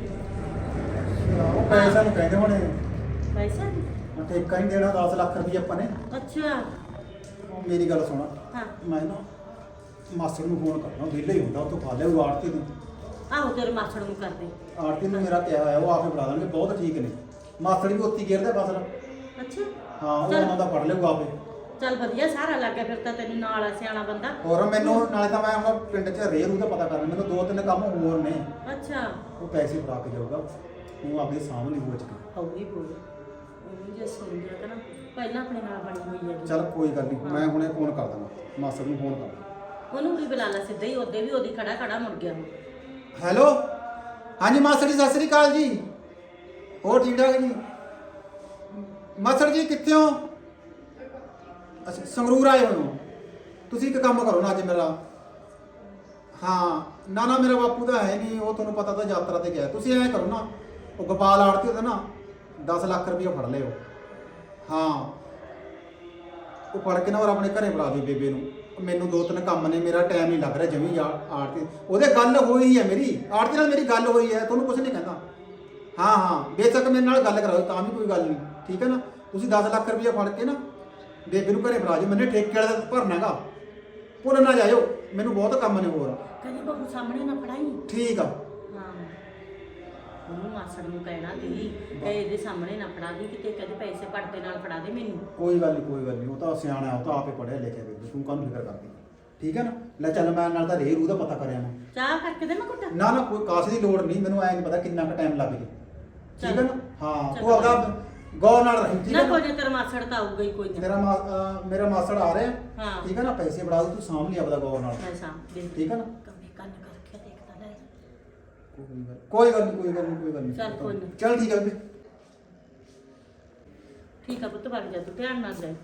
ਉਹ ਪੈਸਾ ਨੂੰ ਕਹਿੰਦੇ ਹੋਣੇ, ਪੈਸਾ ਨੀ? ਠੇਕਾ ਨਹੀਂ ਦੇਣਾ 10 ਲੱਖ ਰੁਪਏ ਆਪਾਂ ਨੇ। ਅੱਛਾ ਮੇਰੀ ਗੱਲ ਸੁਣ, ਹਾਂ ਮੈਂ ਨਾ ਮਾਸੜ ਨੂੰ ਫੋਨ ਕਰਨਾ, ਵਿਹਲਾ ਹੀ ਹੁੰਦਾ, ਉਹ ਤੋਂ ਖਾ ਲਿਆ ਉਹ ਆੜਤੀ ਨੂੰ। ਆਹੋ ਤੇਰੇ ਮਾਸੜ ਨੂੰ ਕਰਦੇ। ਆੜਤੀ ਨੂੰ ਮੇਰਾ ਕਿਹਾ ਹੋਇਆ, ਉਹ ਆਪੇ ਫੜਾ ਦੇਣਗੇ, ਬਹੁਤ ਠੀਕ ਨੇ। ਮਾਸੜ ਵੀ ਉੱਤੀ ਗੇਰਦਾ ਫਸਲ। ਅੱਛਾ ਹਾਂ ਉਹ ਚੱਲ। ਉਹਨਾਂ ਦਾ ਫੜ ਲਿਆਊਗਾ ਆਪੇ। ਚੱਲ ਵਧੀਆ, ਸਾਰਾ ਲੱਗ ਗਿਆ ਫਿਰ ਤਾਂ ਤੈਨੂੰ, ਨਾਲ ਆ ਸਿਆਣਾ ਬੰਦਾ। ਹੋਰ ਮੈਨੂੰ ਨਾਲੇ ਤਾਂ ਮੈਂ ਹੁਣ ਪਿੰਡ 'ਚ ਰੇਰੂ ਦਾ ਪਤਾ ਕਰਨਾ, ਮੈਨੂੰ 2-3 ਕੰਮ ਹੋਰ ਨੇ। ਅੱਛਾ ਉਹ ਪੈਸੇ ਫੜਾ ਕੇ ਜਾਊਗਾ, ਉਹ ਆਪਦੇ ਸਾਹਮਣੇ ਹੋ ਚੁੱਕਾ। ਹੌਲੀ ਬੋਲ, ਉਹਨੂੰ ਜੇ ਸੁਣ ਲਿਆ ਤਾਂ ਨਾ ਪਹਿਲਾਂ ਆਪਣੇ ਨਾਲ ਬਣੀ ਹੋਈ ਹੈ। ਚੱਲ ਕੋਈ ਗੱਲ ਨਹੀਂ, ਮੈਂ ਹੁਣੇ ਫੋਨ ਕਰ ਦਾਂਗਾ, ਮਾਸੜ ਨੂੰ ਫੋਨ ਕਰ ਦਾਂਗਾ। ਉਹਨੂੰ ਵੀ ਬੁਲਾ ਲਾ ਸਿੱਧਾ ਹੀ, ਉਹਦੇ ਵੀ ਉਹਦੀ ਖੜਾ ਖੜਾ ਮੁੜ ਗਿਆ ਉਹ। ਹੈਲੋ, ਹਾਂਜੀ ਮਾਸੜ ਜੀ ਸਤਿ ਸ੍ਰੀ ਅਕਾਲ ਜੀ। ਹੋਰ ਠੀਕ ਠਾਕ ਜੀ? ਮਾਸੜ ਜੀ ਕਿੱਥੇ ਹੋ? ਅੱਛਾ ਸੰਗਰੂਰ ਆਏ ਹੋਏ ਹੋ ਤੁਸੀਂ? ਇੱਕ ਕੰਮ ਕਰੋ ਨਾ ਅੱਜ ਮੇਰਾ। ਹਾਂ ਨਾ ਨਾ ਮੇਰਾ ਬਾਪੂ ਤਾਂ ਹੈ ਨਹੀਂ, ਉਹ ਤੁਹਾਨੂੰ ਪਤਾ ਤਾਂ ਯਾਤਰਾ ਤੇ ਗਿਆ। ਤੁਸੀਂ ਐਂ ਕਰੋ ਨਾ, ਉਹ ਗੋਪਾਲ ਆੜਤੀ ਉਹਦਾ ਨਾ 10 ਲੱਖ ਰੁਪਏ ਫੜ ਲਿਓ। ਹਾਂ ਉਹ ਫੜ ਕੇ ਨਾ ਔਰ ਆਪਣੇ ਘਰੇ ਫੜਾ ਦਿਓ ਬੇਬੇ ਨੂੰ। ਮੈਨੂੰ 2-3 ਕੰਮ ਨੇ, ਮੇਰਾ ਟਾਈਮ ਨਹੀਂ ਲੱਗ ਰਿਹਾ ਜਮੀ। ਆੜਤੀ ਉਹਦੇ ਗੱਲ ਹੋਈ ਹੈ, ਮੇਰੀ ਆੜਤੀ ਨਾਲ ਮੇਰੀ ਗੱਲ ਹੋਈ ਹੈ, ਤੁਹਾਨੂੰ ਕੁਝ ਨਹੀਂ ਕਹਿੰਦਾ। ਹਾਂ ਹਾਂ ਬੇਸ਼ੱਕ ਮੇਰੇ ਨਾਲ ਗੱਲ ਕਰਾਓ ਤਾਂ ਵੀ ਕੋਈ ਗੱਲ ਨਹੀਂ, ਠੀਕ ਹੈ ਨਾ। ਤੁਸੀਂ 10 ਲੱਖ ਰੁਪਏ ਫੜ ਕੇ ਨਾ ਬੇਬੇ ਨੂੰ ਘਰੇ ਫੜਾ ਜਾਓ, ਮੈਨੇ ਠੇਕੇ ਵਾਲੇ ਦਾ ਭਰਨਾ ਹੈਗਾ, ਭੁੱਲ ਨਾ ਜਾਇਓ, ਮੈਨੂੰ ਬਹੁਤ ਕੰਮ ਨੇ ਹੋਰ। ਕਹਿੰਦੀ ਬਹੂ ਸਾਹਮਣੇ ਨਾ ਫੜਾਈ। ਠੀਕ ਆ। ਹਾਂ ਉਹਨੂੰ ਮਾਸੜ ਨੂੰ ਕਹਿਣਾ ਦੀ ਕਿ ਇਹਦੇ ਸਾਹਮਣੇ ਨਾ ਫੜਾ ਦੀ, ਕਿਤੇ ਕਹਿੰਦੇ ਪੈਸੇ ਪੜਦੇ ਨਾਲ ਫੜਾ ਦੇ ਮੈਨੂੰ। ਕੋਈ ਗੱਲ ਨਹੀਂ ਕੋਈ ਗੱਲ ਨਹੀਂ, ਉਹ ਤਾਂ ਸਿਆਣਾ, ਉਹ ਤਾਂ ਆਪੇ ਪੜਿਆ ਲਿਖਿਆ ਬੇਬੇ, ਤੂੰ ਕਾਹਨੂੰ ਫਿਕਰ ਕਰਦੀ। ਠੀਕ ਹੈ ਨਾ, ਲੈ ਚੱਲ ਮੈਂ ਨਾਲ ਤਾਂ ਰੂ ਦਾ ਪਤਾ ਕਰਿਆ ਮੈਂ। ਚਾਹ ਕਰਕੇ ਦੇ ਮੈਂ ਕੁੱਟ। ਨਾ ਨਾ ਕੋਈ ਕਾਸੇ ਦੀ ਲੋੜ ਨਹੀਂ, ਮੈਨੂੰ ਐ ਨਹੀਂ ਪਤਾ ਕਿੰਨਾ ਕੁ ਟਾਈਮ ਲੱਗ ਜੇ। ਠੀਕ ਹੈ ਨਾ, ਹਾਂ ਚੱਲ। ਤੂੰ ਆਪਦਾ ਗੌਰ ਨਾਲ ਰਹੀ। ਠੀਕ ਨਾ ਹੈ ਨਾ, ਕੋਈ ਨਾ, ਤੇਰਾ ਮਾਸੜ ਤਾਂ ਆਊਗਾ ਹੀ ਕੋਈ ਨਾ। ਮੇਰਾ ਮਾਸੜ ਆ ਰਿਹਾ। ਹਾਂ। ਠੀਕ ਹੈ ਨਾ, ਪੈਸੇ ਫੜਾ ਦੇ, ਤੂੰ ਸਾਂਭ ਲਈ ਆਪਦਾ ਗੌਰ ਨਾਲ। ਪੈਸਾ ਦੇ। ਠੀਕ ਹੈ ਨਾ, ਕੰਮੇ ਕੰਨ ਕਰਕੇ ਦੇਖਦਾ ਲੈ। ਕੋਈ ਗੱਲ ਨਹੀਂ ਕੋਈ ਗੱਲ ਨਹੀਂ ਕੋਈ ਗੱਲ ਨਹੀਂ। ਚੱਲ ਕੋਈ ਨੀ। ਚੱਲ ਠੀਕ ਹੈ ਬੇਬੇ। ਠੀਕ ਆ ਪੁੱਤ, ਵਗ ਜਾ ਤੂੰ, ਧਿਆਨ ਨਾਲ ਜਾਈ।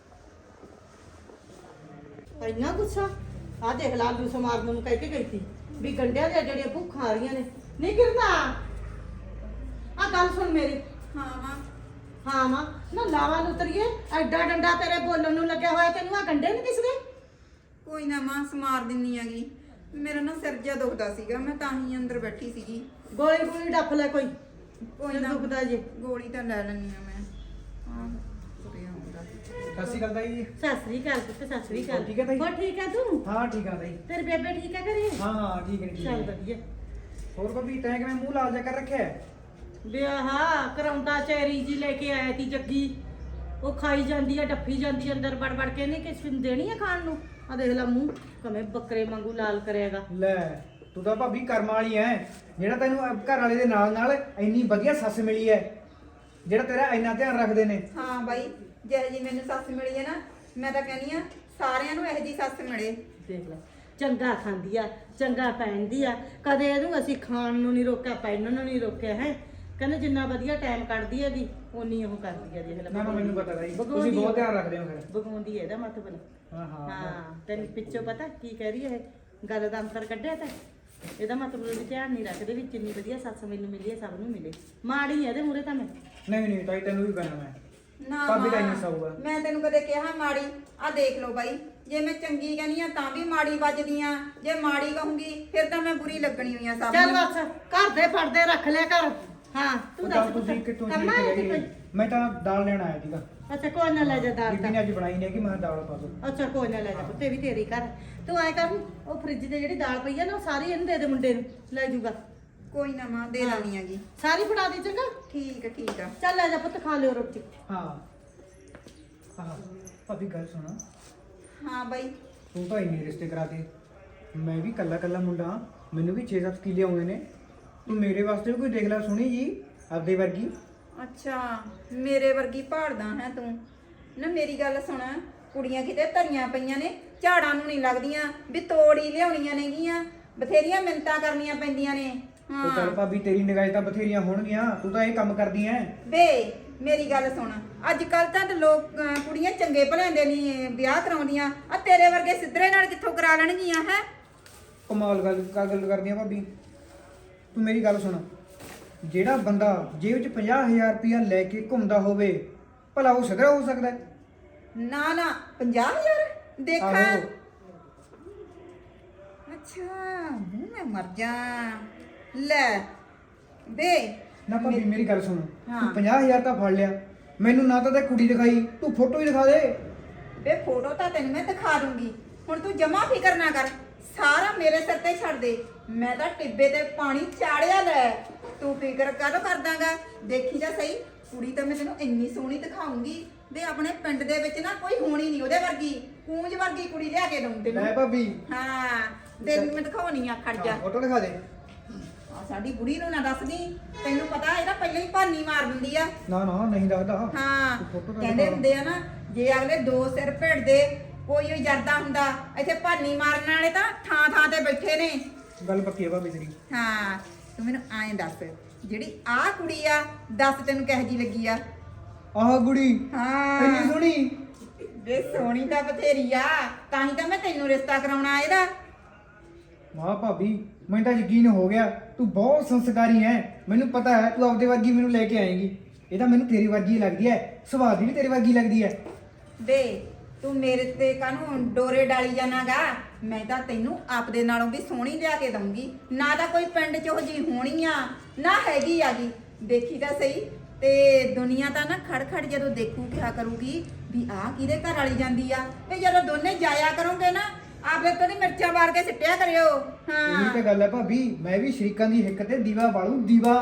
ਇੰਨਾ ਗੁੱਸਾ ਆ ਦੇਖ ਲਾ, ਆਲੂ ਸਮਾਰਨ ਨੂੰ ਕਹਿ ਕੇ ਗਈ ਸੀ ਵੀ ਗੰਡਿਆਂ ਦੀਆਂ ਜਿਹੜੀਆਂ ਭੁੱਖਾਂ ਆ ਰਹੀਆਂ ਨੇ। ਨਹੀਂ ਕਿਰਨਾ ਆ ਗੱਲ ਸੁਣ ਮੇਰੀ। ਹਾਂ ਮਾਂ। ਹਾਂ ਮਾਂ, ਨਾ ਲਾਵਾ ਉਤਰੀਏ, ਐਡਾ ਡੰਡਾ ਤੇਰੇ ਬੋਲਣ ਨੂੰ ਲੱਗਿਆ ਹੋਇਆ, ਤੈਨੂੰ ਆ ਗੰਡੇ ਨਹੀਂ ਦਿਸਦੇ? ਕੋਈ ਨਾ ਮਾਂ, ਸਮਾਰ ਦਿੰਨੀ ਆਗੀ। ਮੇਰਾ ਨਾ ਸਿਰ ਜਿਹਾ ਦੁਖਦਾ ਸੀਗਾ, ਮੈਂ ਤਾਂ ਹੀ ਅੰਦਰ ਬੈਠੀ ਸੀਗੀ। ਗੋਲੀ ਗੋਲੀ ਡੱਫ ਲੈ ਕੋਈ, ਕੋਈ ਨਾ, ਦੁਖਦਾ ਜੇ। ਗੋਲੀ ਤਾਂ ਲੈ ਲੈਣੀ ਆ ਮੈਂ। ਹਾਂ ਤੁਰਿਆ ਆਉਂਦਾ। ਸਤਿ ਸ਼੍ਰੀ ਅਕਾਲ ਤਾਈ ਜੀ। ਸਤਿ ਸ੍ਰੀ ਅਕਾਲ ਪੁੱਤ, ਸਤਿ ਸ੍ਰੀ ਅਕਾਲ। ਠੀਕ ਹੈ ਤਾਈ? ਹੋਰ ਠੀਕ ਹੈ ਤੂੰ? ਹਾਂ ਠੀਕ ਆ ਤਾਈ। ਤੇਰੇ ਬੇਬੇ ਠੀਕ ਹੈ ਘਰੇ? ਹਾਂ ਹਾਂ ਠੀਕ ਹੈ ਠੀਕ ਚੱਲ ਹੈ। ਵਧੀਆ। ਹੋਰ ਭਾਬੀ ਤੈਂ ਕਿਵੇਂ ਮੂੰਹ ਲਾਲ ਜਾ ਕਰ ਰੱਖਿਆ ਹੈ? ਵਿਆਹ ਕਰਾਉਂਦਾ ਚੈਰੀ ਜੀ ਲੈ ਕੇ ਆਇਆ ਤੀ ਜੱਗੀ, ਉਹ ਖਾਈ ਜਾਂਦੀ ਆ, ਡੱਫੀ ਜਾਂਦੀ ਆ ਅੰਦਰ ਵੜ ਵੜ ਕੇ। ਨਹੀਂ ਕਿਸੇ ਨੂੰ ਦੇਣੀ ਆ ਖਾਣ ਨੂੰ? ਆ ਦੇਖ ਲੈ ਮੂੰਹ ਕਵੇਂ ਬੱਕਰੇ ਵਾਂਗੂ ਲਾਲ ਕਰਿਆਗਾ। ਲੈ ਤੂੰ ਤਾਂ ਭਾਬੀ ਕਰਮ ਵਾਲੀ ਐ, ਜਿਹੜਾ ਤੈਨੂੰ ਘਰ ਵਾਲੇ ਦੇ ਨਾਲ ਨਾਲ ਇੰਨੀ ਵਧੀਆ ਸੱਸ ਮਿਲੀ ਐ, ਜਿਹੜਾ ਤੇਰਾ ਇੰਨਾ ਧਿਆਨ ਰੱਖਦੇ ਨੇ। ਹਾਂ ਬਾਈ, ਜਿਹੋ ਜੀ ਮੈਨੂੰ ਸੱਸ ਮਿਲੀ ਹੈ ਨਾ, ਮੈਂ ਤਾਂ ਕਹਿੰਦੀ ਆ ਸਾਰਿਆਂ ਨੂੰ ਇਹੋ ਜੀ ਸੱਸ ਮਿਲੇ। ਦੇਖ ਲੈ, ਚੰਗਾ ਖਾਂਦੀ ਆ, ਚੰਗਾ ਪਹਿਨਦੀ ਆ, ਕਦੇ ਇਹਨੂੰ ਅਸੀਂ ਖਾਣ ਨੂੰ ਨਹੀਂ ਰੋਕਿਆ, ਪਹਿਨਣ ਨੂੰ ਨਹੀਂ ਰੋਕਿਆ ਹੈ। ਕਹਿੰਦੇ ਜਿੰਨਾ ਵਧੀਆ ਟਾਈਮ ਕੱਢਦੀ ਹੈਗੀ ਉਨੀ ਉਹ ਕਰਦੀ ਆ। ਦੇਖ ਲੈ ਨਾ ਨਾ ਮੈਨੂੰ ਪਤਾ ਤਾਈ, ਤੁਸੀਂ ਬਗਾਉਂਦੀ ਬਹੁਤ ਆ। ਧਿਆਨ ਰੱਖਦੇ ਹੋ ਫਿਰ। ਬਗਾਉਂਦੀ ਹੈ ਇਹਦਾ ਮਤਲਬ। ਹਾਂ ਹਾਂ ਹਾਂ ਤੈਨੂੰ ਪਿੱਛੋਂ ਪਤਾ ਕੀ ਕਹਿ ਰਹੀ ਹੈ ਇਹ? ਗੱਲ ਦਾ ਅੰਤਰ ਕੱਢਿਆ ਤਾਂ ਇਹਦਾ ਮਤਲਬ ਵੀ ਧਿਆਨ ਨਹੀਂ ਰੱਖਦੇ ਵੀ ਜਿੰਨੀ ਵਧੀਆ ਸੱਸ ਮੈਨੂੰ ਮਿਲੀ ਹੈ ਸਭ ਨੂੰ ਮਿਲੇ। ਮਾੜੀ ਹੈ ਇਹਦੇ ਮੂਹਰੇ ਤਾਂ ਮੈਂ। ਨਹੀਂ ਨਹੀਂ ਤਾਈ ਤੈਨੂੰ ਵੀ ਕਹਿਣਾ ਮੈਂ। ਨਾ ਭਾਬੀ ਦਾ ਮਾਂ, ਇੰਨਾ ਸੌਗਾ। ਮੈਂ ਤੈਨੂੰ ਕਦੇ ਕਿਹਾ ਮਾੜੀ? ਆ ਦੇਖ ਲਓ ਬਾਈ, ਜੇ ਮੈਂ ਚੰਗੀ ਕਹਿੰਦੀ ਆ ਤਾਂ ਵੀ ਮਾੜੀ ਵੱਜਦੀ ਆ, ਜੇ ਮਾੜੀ ਕਹੂੰਗੀ ਫਿਰ ਤਾਂ ਮੈਂ ਬੁਰੀ ਲੱਗਣੀ ਹੋਈ ਆ ਸਭ ਚੱਲ ਨੂੰ। ਬਸ ਘਰ ਦੇ ਪਰਦੇ ਰੱਖ ਲਿਆ ਕਰ। ਹਾਂ ਤੂੰ ਤਾਂ ਦੱਸ ਤੁਸੀਂ ਕਿੱਥੋਂ ਕਰਨਾ ਚੀਜ਼ ਹੈ ਲੈ ਕਿ ਗਏ? ਕੋਈ? ਮੈਂ ਤਾਂ ਦਾਲ ਲੈਣ ਆਇਆ ਸੀਗਾ, ਅੱਛਾ ਕੋਈ ਨਾ ਲੈ ਜਾ ਦਾਲ ਬੀਬੀ ਨੇ ਅੱਜ ਬਣਾਈ ਨਹੀਂ ਕਿ ਮੈਂ ਦਾਲ ਪਾ ਦੋ। ਅੱਛਾ ਕੋਈ ਨਾ ਲੈ ਜਾ ਪੁੱਤੇ ਵੀ ਤੇਰੀ ਘਰ। ਤੂੰ ਐ ਕਰ, ਉਹ ਫ੍ਰਿਜ ਤੇ ਜਿਹੜੀ ਦਾਲ ਪਈ ਆ ਨਾ ਉਹ ਸਾਰੀ ਇਹਨੂੰ ਦੇ ਦੇ, ਮੁੰਡੇ ਨੂੰ ਲੈ ਜੂਗਾ। ਕੋਈ ਨਾ ਮਾਂ ਦੇ ਦੇਣੀ ਹੈਗੀ। ਸਾਰੀ ਫੜਾ ਦੇ ਚੰਗਾ। ਠੀਕ ਆ ਚੱਲ ਲੈ ਜਾ ਪੁੱਤ ਖਾ ਲਿਓ ਰੋਟੀ। ਹਾਂ ਹਾਂ ਭਾਬੀ ਗੱਲ ਸੁਣਾ, ਹਾਂ ਬਾਈ। ਤੂੰ ਤਾਂ ਇੰਨੇ ਰਿਸ਼ਤੇ ਕਰਾਤੇ, ਮੈਂ ਵੀ ਕੱਲਾ ਕੱਲਾ ਮੁੰਡਾ ਹਾਂ, ਮੈਨੂੰ ਵੀ 6-7 ਕਿੱਲੇ ਆਉਂਦੇ ਨੇ, ਤੂੰ ਮੇਰੇ ਵਾਸਤੇ ਵੀ ਕੋਈ ਦੇਖ ਲੈ ਸੋਹਣੀ ਜੀ ਆਪਦੇ ਵਰਗੀ। ਅੱਛਾ ਮੇਰੇ ਵਰਗੀ ਭਾਲਦਾ ਹੈ ਤੂੰ ਨਾ। ਮੇਰੀ ਗੱਲ ਸੁਣ, ਕੁੜੀਆਂ ਕਿਤੇ ਧਰੀਆਂ ਪਈਆਂ ਨੇ, ਝਾੜਾਂ ਨੂੰ ਨਹੀਂ ਲੱਗਦੀਆਂ ਵੀ ਤੋੜ ਹੀ ਲਿਆਉਣੀਆਂ ਨੇਗੀਆਂ, ਬਥੇਰੀਆਂ ਮਿੰਨਤਾਂ ਕਰਨੀਆਂ ਪੈਂਦੀਆਂ ਨੇ। ਉਹ ਚੱਲ ਭਾਬੀ ਤੇਰੀ ਨਿਗਾਹ 'ਚ ਤਾਂ ਬਥੇਰੀਆਂ ਹੋਣਗੀਆਂ, ਤੂੰ ਤਾਂ ਇਹ ਕੰਮ ਕਰਦੀ ਐ। ਵੇ ਮੇਰੀ ਗੱਲ ਸੁਣ, ਅੱਜ ਕੱਲ ਤਾਂ ਲੋਕ ਕੁੜੀਆਂ ਚੰਗੇ ਭਲਿਆਂ ਦੇ ਨਹੀਂ ਵਿਆਹ ਕਰਾਉਂਦੀਆਂ, ਆ ਤੇਰੇ ਵਰਗੇ ਸਿੱਧਰੇ ਨਾਲ ਕਿੱਥੋਂ ਕਰਾ ਲੈਣਗੀਆਂ ਹੈ। ਕਮਾਲ ਗੱਲ ਕਰਦੀ ਆ ਭਾਬੀ। ਤੂੰ ਮੇਰੀ ਗੱਲ ਸੁਣ, ਜਿਹੜਾ ਬੰਦਾ ਜੇਬ 'ਚ 50,000 ਰੁਪਇਆ ਲੈ ਕੇ ਘੁੰਮਦਾ ਹੋਵੇ, ਭਲਾ ਉਹ ਸਿੱਧਰਾ ਹੋ ਸਕਦਾ ਹੈ? ਨਾ 50,000 ਦੇਖਾਂ। ਆਹੋ। ਅੱਛਾ ਮੂੰਹ ਮੈਂ ਮਰ ਜਾ ਲੈ ਵੇ। ਨਾ ਭਾਬੀ ਮੇਰੀ ਗੱਲ ਸੁਣ, ਹਾਂ। ਤੂੰ 50,000 ਤਾਂ ਫੜ ਲਿਆ, ਮੈਨੂੰ ਨਾ ਤਾਂ ਤੇ ਕੁੜੀ ਦਿਖਾਈ, ਤੂੰ ਫੋਟੋ ਹੀ ਦਿਖਾ ਦੇ। ਵੇ ਫੋਟੋ ਤਾਂ ਤੈਨੂੰ ਮੈਂ ਦਿਖਾ ਦੂੰਗੀ, ਹੁਣ ਤੂੰ ਜਮਾ ਫਿਕਰ ਨਾ ਕਰ, ਸਾਰਾ ਮੇਰੇ ਸਿਰ ਤੇ ਛੱਡ ਦੇ, ਮੈਂ ਤਾਂ ਟਿੱਬੇ ਤੇ ਪਾਣੀ ਚਾੜਿਆ ਲੈ, ਤੂੰ ਫਿਕਰ ਕਾਹਦੋਂ ਕਰਦਾਗਾ। ਦੇਖੀ ਜਾ ਸਹੀ, ਕੁੜੀ ਤਾਂ ਮੈਂ ਤੈਨੂੰ ਇੰਨੀ ਸੋਹਣੀ ਦਿਖਾਉਂਗੀ ਵੇ, ਆਪਣੇ ਪਿੰਡ ਦੇ ਵਿੱਚ ਨਾ ਕੋਈ ਹੋਣੀ ਨਹੀਂ ਉਹਦੇ ਵਰਗੀ, ਕੂੰਜ ਵਰਗੀ ਕੁੜੀ ਲਿਆ ਕੇ ਦਊਂ ਤੈਨੂੰ। ਲੈ ਭਾਬੀ ਹਾਂ ਤੈਨੂੰ ਮੈਂ ਦਿਖਾਉਣੀ ਆ, ਖੜ ਜਾ। ਫੋਟੋ ਦਿਖਾ ਦੇ। ਆ ਸਾਡੀ ਬੁੜੀ ਨੂੰ ਨਾ ਦੱਸਦੀ, ਤੈਨੂੰ ਪਤਾ ਇਹਦਾ ਪਹਿਲਾਂ ਹੀ ਭਾਨੀ ਮਾਰ ਦਿੰਦੀ ਆ। ਨਾ ਨਹੀਂ ਦੱਸਦਾ। ਹਾਂ ਤੂੰ ਫੋਟੋ ਤਾਂ ਕਹਿੰਦੇ ਦਿਖਾ। ਹੁੰਦੇ ਆ ਨਾ, ਜੇ ਅਗਲੇ ਦੋ ਸਿਰ ਭਿੜਦੇ ਕੋਈ ਹੀ ਜਰਦਾ ਹੁੰਦਾ, ਇੱਥੇ ਭਾਨੀ ਮਾਰਨ ਵਾਲੇ ਤਾਂ ਥਾਂ ਥਾਂ ਤੇ ਬੈਠੇ ਨੇ। ਗੱਲ ਪੱਕੀ ਹੈ ਭਾਬੀ ਤੇਰੀ। ਹਾਂ ਤੂੰ ਮੈਨੂੰ ਐਂ ਦੱਸ, ਜਿਹੜੀ ਆਹ ਕੁੜੀ ਆ, ਦੱਸ ਤੈਨੂੰ ਕਿਹੋ ਜੀ ਲੱਗੀ ਆ? ਆਹ ਕੁੜੀ ਹਾਂ ਇੰਨੀ ਸੋਹਣੀ। ਵੇ ਸੋਹਣੀ ਤਾਂ ਬਥੇਰੀ ਆ, ਤਾਂ ਹੀ ਤਾਂ ਮੈਂ ਤੈਨੂੰ ਰਿਸ਼ਤਾ ਕਰਾਉਣਾ ਇਹਦਾ। ਵਾਹ ਭਾਬੀ, ਮੈਨੂੰ ਤਾਂ ਯਕੀਨ ਹੋ ਗਿਆ, ਤੂੰ ਬਹੁਤ ਸੰਸਕਾਰੀ ਹੈ, ਮੈਨੂੰ ਪਤਾ ਹੈ ਤੂੰ ਆਪਦੇ ਵਰਗੀ ਮੈਨੂੰ ਲੈ ਕੇ ਆਏਂਗੀ। ਇਹ ਤਾਂ ਮੈਨੂੰ ਤੇਰੀ ਵਰਗੀ ਲੱਗਦੀ ਹੈ, ਸੁਭਾਅ ਦੀ ਵੀ ਤੇਰੀ ਵਰਗੀ ਲੱਗਦੀ ਹੈ। ਵੇ ਤੂੰ ਮੇਰੇ ਤੇ ਕਾਹਨੂੰ ਡੋਰੇ ਡਾਲੀ ਜਾਣਾਗਾ, ਮੈਂ ਤਾਂ ਤੈਨੂੰ ਆਪਦੇ ਨਾਲੋਂ ਵੀ ਸੋਹਣੀ ਲਿਆ ਕੇ ਦਊਂਗੀ। ਨਾ ਤਾਂ ਕੋਈ ਪਿੰਡ 'ਚ ਉਹ ਜੀ ਹੋਣੀ ਆ, ਨਾ ਹੈਗੀ ਆਗੀ, ਦੇਖੀ ਤਾਂ ਸਹੀ। ਤੇ ਦੁਨੀਆ ਤਾਂ ਨਾ ਖੜ ਜਦੋਂ ਦੇਖੂ ਕਿਹਾ ਕਰੂਗੀ ਵੀ ਆਹ ਕਿਹਦੇ ਘਰ ਵਾਲੀ ਜਾਂਦੀ ਆ, ਤੇ ਜਦੋਂ ਦੋਨੇ ਜਾਇਆ ਕਰੋਗੇ ਨਾ, ਆਪੇ ਤੋਂ ਨਹੀਂ ਮਿਰਚਾਂ ਮਾਰ ਕੇ ਸਿੱਟਿਆ ਕਰਿਓ। ਇਹੀ ਤਾਂ ਗੱਲ ਹੈ ਭਾਬੀ, ਮੈਂ ਵੀ ਸ਼ਰੀਕਾਂ ਦੀ ਹਿੱਕ ਤੇ ਦੀਵਾ ਬਾਲੂ ਦੀਵਾ।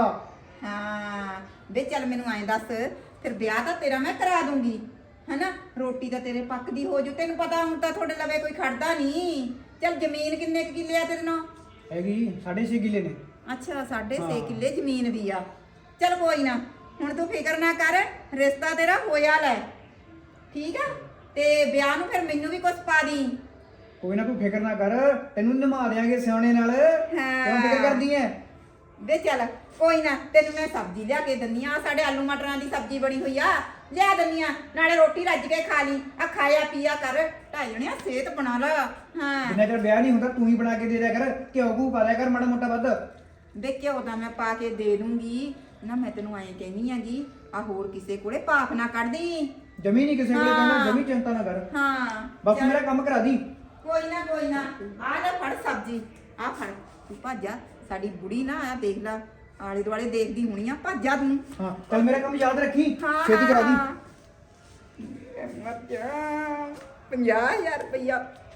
ਹਾਂ ਵੇ ਚੱਲ ਮੈਨੂੰ ਐਂ ਦੱਸ, ਫਿਰ ਵਿਆਹ ਤਾਂ ਤੇਰਾ ਮੈਂ ਕਰਾ ਦੂੰਗੀ ਹੈਨਾ, ਰੋਟੀ ਤਾਂ ਤੇਰੇ ਪੱਕਦੀ ਹੋ ਜੂ, ਤੈਨੂੰ ਪਤਾ ਹੁਣ ਤਾਂ ਤੁਹਾਡੇ ਲਵੇ ਕੋਈ ਖੜਦਾ ਨਹੀਂ। ਚੱਲ ਜ਼ਮੀਨ ਕਿੰਨੇ ਕੁ ਕਿੱਲੇ ਆ ਤੇਰੇ ਨਾਲ? ਹੈਗੀ 6.5 ਕਿੱਲੇ ਨੇ। ਅੱਛਾ 6.5 ਕਿੱਲੇ ਜ਼ਮੀਨ ਵੀ ਆ। ਚੱਲ ਕੋਈ ਨਾ, ਹੁਣ ਤੂੰ ਫਿਕਰ ਨਾ ਕਰ, ਰਿਸ਼ਤਾ ਤੇਰਾ ਹੋਇਆ ਲੈ, ਠੀਕ ਆ। ਤੇ ਵਿਆਹ ਨੂੰ ਫਿਰ ਮੈਨੂੰ ਵੀ ਕੁਝ ਪਾ ਦੀ। ਕੋਈ ਨਾ ਤੂੰ ਫਿਕਰ ਨਾ ਕਰ, ਤੈਨੂੰ ਨਿਭਾ ਦਿਆਂਗੇ ਸਿਆਣੇ ਨਾਲ। ਕਿਉਂ ਫਿਕਰ ਕਰਦੀ ਐ? ਵੇ ਚੱਲ ਕੋਈ ਨਾ, ਤੈਨੂੰ ਮੈਂ ਸਬਜ਼ੀ ਲਿਆ ਕੇ ਦਿੰਨੀ ਆ, ਸਾਡੇ ਆਲੂ ਮਟਰਾਂ ਦੀ ਸਬਜ਼ੀ ਬਣੀ ਹੋਈ ਆ, ਲਿਆ ਦਿੰਨੀ ਆ, ਨਾਲੇ ਰੋਟੀ ਰੱਜ ਕੇ ਖਾ ਲਈ, ਆ ਖਾਇਆ ਪੀਆ ਕਰ, ਢਾਈ ਜਣਿਆ ਸਿਹਤ ਬਣਾ ਲਾ। ਹਾਂ ਜਿੰਨਾ ਚਿਰ ਵਿਆਹ ਨਹੀਂ ਹੁੰਦਾ ਤੂੰ ਹੀ ਬਣਾ ਕੇ ਦੇ ਦਿਆ ਕਰ, ਘਿਓ ਘੂ ਪਾ ਦਿਆ ਕਰ ਮਾੜਾ ਮੋਟਾ ਵੱਧ। ਵੇ ਘਿਓ ਤਾਂ ਮੈਂ ਪਾ ਕੇ ਦੇ ਦੂੰਗੀ ਨਾ, ਮੈਂ ਤੈਨੂੰ ਐਂ ਕਹਿੰਦੀ ਆਂਗੀ, ਆ ਹੋਰ ਕਿਸੇ ਕੋਲੇ ਪਾਪ ਨਾ ਕੱਢਦੀ। ਜਮੀ ਨਹੀਂ ਕਿਸੇ ਕੋਲੇ ਹਾਂ। ਕਹਿਣਾ, ਜਮੀ ਚਿੰਤਾ ਨਾ ਕਰ, ਹਾਂ ਬਸ ਚੱਲ। ਮੇਰਾ ਕੰਮ ਕਰਾ ਦੀ। ਕੋਈ ਨਾ ਆ ਲੈ ਫੜ ਸਬਜ਼ੀ, ਆ ਫੜ ਤੂੰ ਭੱਜਾ, ਸਾਡੀ ਬੁੜੀ ਨਾ ਆ ਦੇਖ ਲੈ, ਆਲੇ ਦੁਆਲੇ ਦੇਖਦੀ ਹੋਣੀ ਆ, ਭੱਜਾ ਤੂੰ। ਹਾਂ ਚੱਲ ਮੇਰਾ ਕੰਮ ਯਾਦ ਰੱਖੀ, ਹਾਂ ਛੇਤੀ ਕਰਾ ਦੀ। ਮਰ ਜਾ 50,000 ਰੁਪਇਆ